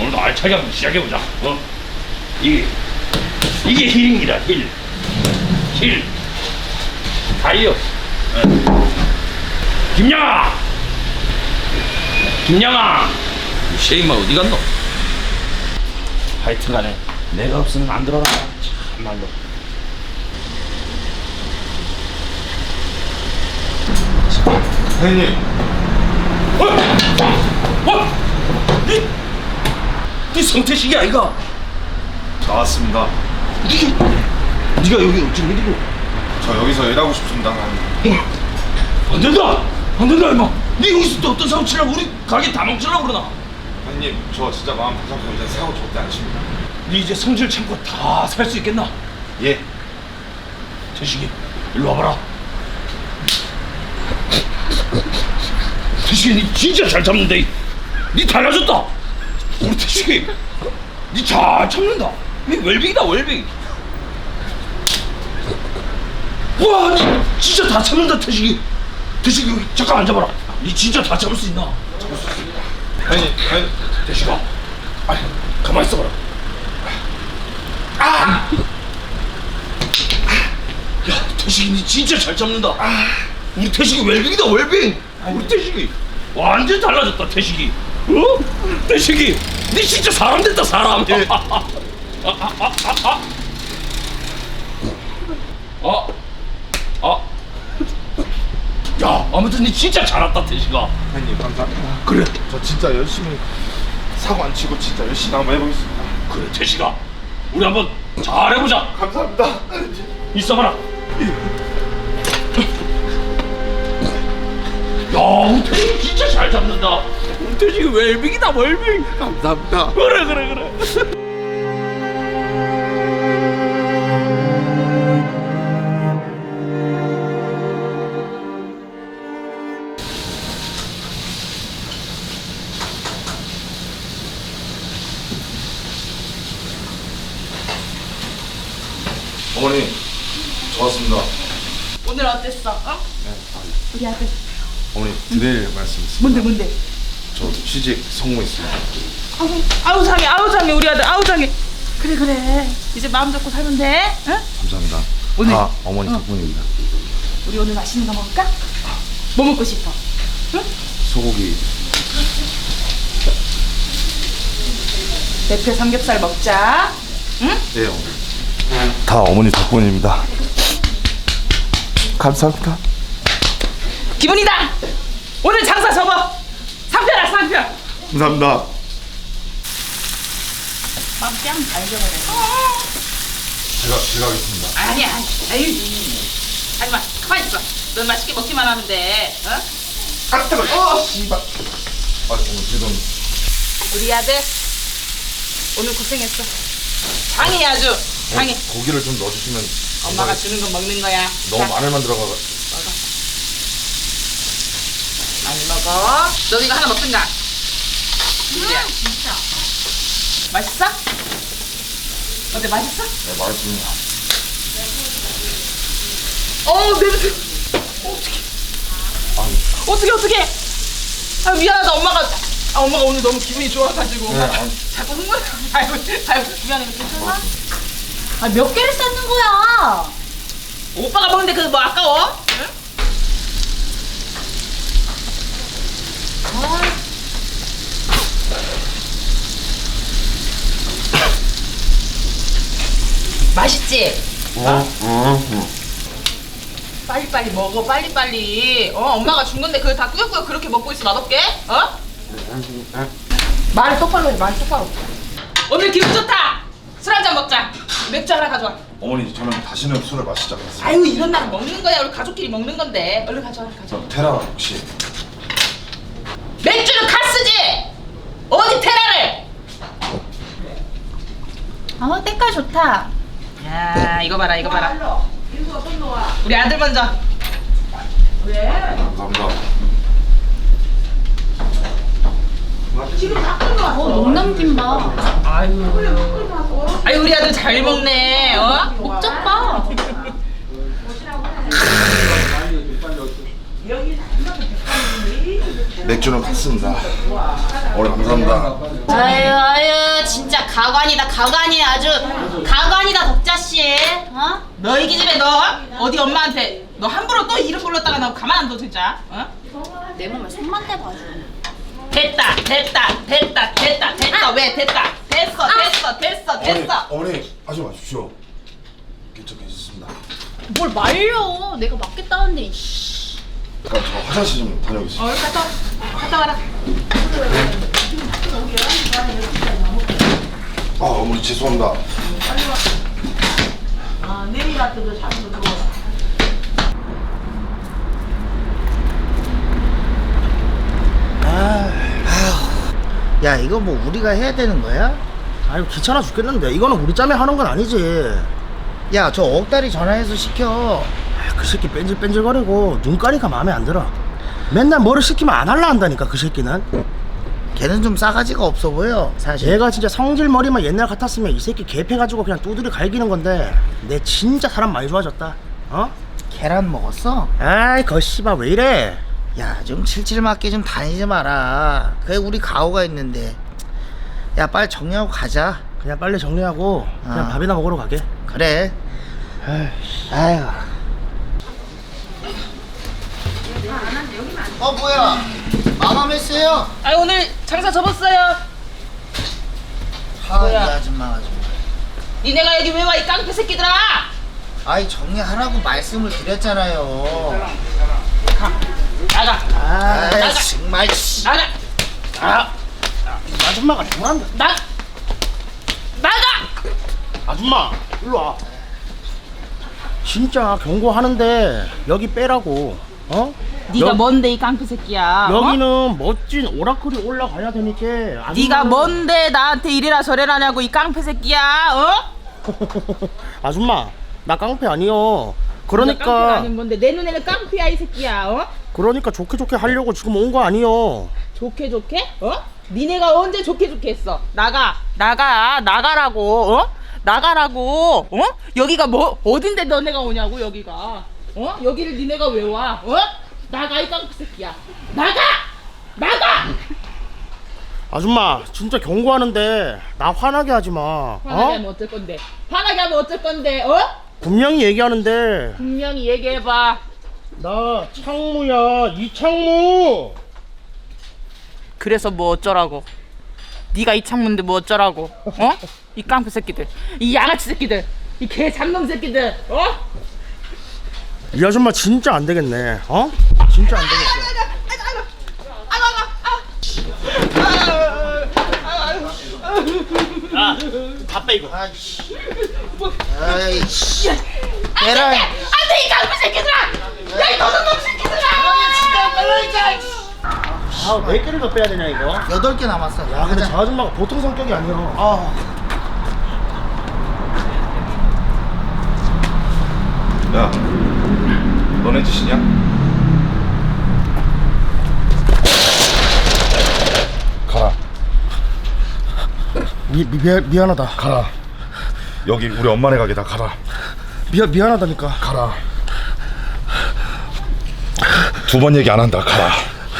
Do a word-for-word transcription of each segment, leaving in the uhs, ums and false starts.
오늘도 알차게 한번 시작해보자. 어? 이게 이게 힐입니다. 힐. 힐. 다이어. 어. 김양아. 김양아. 이 쉐임아 어디 갔노? 하여튼간에 내가 없으면 안 들어라. 참말로. 사장님. 어? 어? 니, 니 성태식이 아이가? 저 왔습니다. 니, 니가 여기 어쩐 일이고? 저 여기서 일하고 싶습니다. 어? 안 된다! 안 된다 임마! 니 여기서 또 어떤 사고 치려고 우리 가게 다 망치려고 그러나? 사장님, 저 진짜 마음 바삭하고 이제 사고 절대 안 칩니다. 니 이제 성질 참고 다 살 수 있겠나? 예. 태식이 일로 와봐라. 태식이 니 진짜 잘 참는데. 니 달라졌다. 우리 태식이 니 잘 참는다. 니 웰빙이다 웰빙. 와, 니 진짜 다 참는다 태식이. 태식이 여기 잠깐 앉아봐라. 니 진짜 다 참을 수 있나? 사장님, 사장님. 태식아, 아이 가만 있어봐라. 아! 야, 태식이 니 진짜 잘 참는다. 아, 우리 태식이 웰빙이다 웰빙. 우리 태식이 완전 달라졌다 태식이. 어? 태식이, 니 진짜 사람 됐다 사람. 예. 아, 아, 아, 아, 아. 아, 아. 야, 아무튼 니 진짜 잘 왔다 태식아. 사장님, 감사합니다. 그래, 저 진짜 열심히 사고 안 치고 진짜 열심히 한번 해보겠습니다. 그래 태식아, 우리 한번 잘 해보자. 감사합니다. 있어봐라. 야, 우리 태식이 진짜 잘 잡는다. 우리 태식이 웰빙이다 웰빙. 감사합니다. 그래 그래 그래. 어머니, 저 왔습니다. 오늘 어땠어? 어? 우리 아들 어머니, 드릴 말씀 있습니다. 뭔데 뭔데? 저 취직 성공했습니다. 아우, 아우 장해 아우 장해 우리 아들 아우 장해. 그래 그래 이제 마음 잡고 살면 돼. 응? 감사합니다. 오늘- 다 어머니 어. 덕분입니다. 우리 오늘 맛있는 거 먹을까? 뭐 먹고 싶어? 응? 소고기. 대패 삼겹살 먹자. 응? 네, 어머니. 다 어머니 덕분입니다. 감사합니다. 기분이다. 오늘 장사 접어. 상편아 상편. 감사합니다. 맘뺨 달겨버려. 제가 제가 하겠습니다. 아니야 아니 아유 하지마 가만히 있어. 넌 맛있게 먹기만 하면 돼. 어? 아, 뜨거. 어, 씨발. 아, 어머니 죄송. 우리 아들 오늘 고생했어. 장해 아주 장해. 고기를 좀 넣어주시면. 엄마가 감사하겠- 주는 건 먹는 거야. 너무 자, 마늘만 들어가. 많이 먹어. 너도 이거 하나 먹든가. 진짜. 진짜. 맛있어? 어때 맛있어? 네, 맛있습니다. 어 냄새. 어떻게 어떻게 어떻게? 아 미안하다 엄마가. 아 엄마가 오늘 너무 기분이 좋아가지고 네, 엄마가 아니. 자꾸 흥분. 아이고 아이고 미안해 괜찮아? 아, 몇 개를 쌓는 거야? 오빠가 먹는데 그 뭐 아까워? 응? 맛있지? 어? 빨리빨리 먹어 빨리빨리. 어 엄마가 준 건데 그걸 다 꾸역꾸역 그렇게 먹고 있어 맛없게? 어? 말을 똑바로 해 말 똑바로. 오늘 기분 좋다. 술 한잔 먹자. 맥주 하나 가져와. 어머니, 저는 다시는 술을 마시지 않겠습니다. 아유 이런 날 먹는 거야. 우리 가족끼리 먹는 건데. 얼른 가져와 가져와. 저 테라 혹시 맥주는 카스지. 어디 테라를? 아, 때깔 좋다. 야 이거 봐라 이거 봐라. 우리 아들 먼저. 왜? 감사합니다. 어, 농남김밥. 아유. 아유 우리 아들 잘 먹네. 어? 복잡봐. 맥주는 갔습니다. 어머니 감사합니다. 아유 아유 진짜 가관이다 가관이 아주 가관이다 덕자씨. 어? 너 이 기집애 너 어디 엄마한테 너 함부로 또 이름 불렀다가 너 가만 안 둬 진짜. 어? 내 몸에 손만 대봐줘. 됐다 됐다 됐다 됐다 됐다 왜 됐다 됐어 됐어 됐어 됐어. 어머니 하지 마십시오. 괜찮겠습니다. 뭘 말려? 내가 맞겠다는데. 이씨. 잠깐 저 화장실 좀 다녀오겠습니다. 어 갔다 갔다 와라. 아 어머니 죄송합니다. 아 내리 같은 거 잡는 거. 야 이거 뭐 우리가 해야 되는 거야? 아유 귀찮아 죽겠는데 이거는 우리 짬에 하는 건 아니지. 야 저 억다리 전화해서 시켜. 아, 그 새끼 뺀질뺀질거리고 눈가리가 마음에 안 들어. 맨날 뭐를 시키면 안 할라 한다니까 그 새끼는. 걔는 좀 싸가지가 없어 보여 사실. 얘가 진짜 성질머리만 옛날 같았으면 이 새끼 개패가지고 그냥 두드려 갈기는 건데 내 진짜 사람 많이 좋아졌다. 어? 계란 먹었어? 아이 거씨발 왜 이래. 야 좀 칠칠 맞게 좀 다니지 마라. 그게 우리 가오가 있는데. 야 빨리 정리하고 가자. 그냥 빨리 정리하고 그냥 아. 밥이나 먹으러 가게. 그래. 아이씨. 아유. 어 뭐야? 마감했어요? 아 오늘 장사 접었어요. 아이 아줌마 아줌마. 니네가 여기 왜 와 이 깡패 새끼들아. 아이 정리하라고 말씀을 드렸잖아요. 나가 아이 나가. 정말 씨. 나가 아, 이 아줌마가 뭐란다. 나 나가. 아줌마 일로 와. 진짜 경고하는데 여기 빼라고. 어? 네가 여- 뭔데 이 깡패 새끼야. 여기는 어? 멋진 오라클이 올라가야 되니까. 아줌마는- 네가 뭔데 나한테 이래라 저래라 하냐고 이 깡패 새끼야. 어? 아줌마 나 깡패 아니요. 깡패가 그러니까 아닌 뭔데 내 눈에는 깡패야 이 새끼야. 어? 그러니까 좋게 좋게 하려고 지금 온 거 아니요. 좋게 좋게? 어? 니네가 언제 좋게 좋게 했어? 나가 나가 나가라고. 어? 나가라고. 어? 여기가 뭐 어딘데 너네가 오냐고 여기가. 어? 여기를 니네가 왜 와? 어? 나가 이 깡패 새끼야. 나가 나가. 아줌마 진짜 경고하는데 나 화나게 하지 마. 화나게 어? 하면 어쩔 건데? 화나게 하면 어쩔 건데? 어? 분명히 얘기하는데 분명히 얘기해봐. 나 창무야 이창무. 그래서 뭐 어쩌라고? 네가 이 창문인데 뭐 어쩌라고? 어? 이 깡패 새끼들, 이 양아치 새끼들, 이 개 잡놈 새끼들, 어? 이 아줌마 진짜 안 되겠네. 어? 진짜 안 되겠어. 야, 다 빼 이거. 아이씨. 아이씨. 계란. 안돼 이 깡패 새끼들아! 야 이 도둑놈 새끼들아! 아, 몇 개를 더 빼야 되냐 이거? 여덟 개 남았어. 야, 근데 가자. 저 아줌마가 보통 성격이 아니야. 어. 야 너네 짓이냐? 가라 미, 미, 미, 미안하다. 가라. 여기 우리 엄마네 가게다 가라. 미, 미안하다니까. 가라. 두 번 얘기 안 한다. 가라.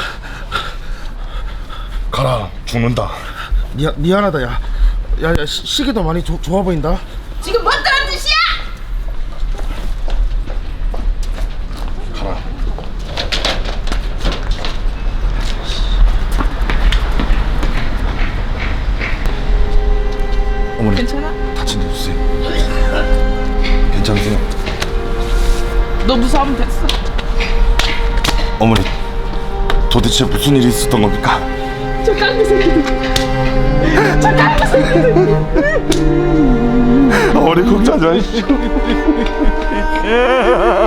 가라. 죽는다. 미, 미안하다 야. 야, 야 시, 시계도 많이 조, 좋아 보인다. 지금 뭔 따란 짓이야? 가라. 어머니 괜찮아? 다친 데 없으세요? 괜찮으세요? 너 무서우면 됐어. 어머니 도대체 무슨 일이 있었던 겁니까? 저 깡패 새끼들, 저 깡패 새끼들. 어머니 걱정하지 마십시오.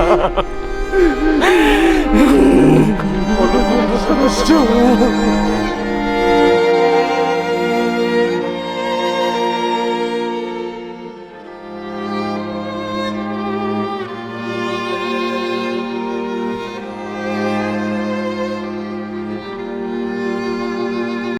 어머니 걱정하지 마십시오.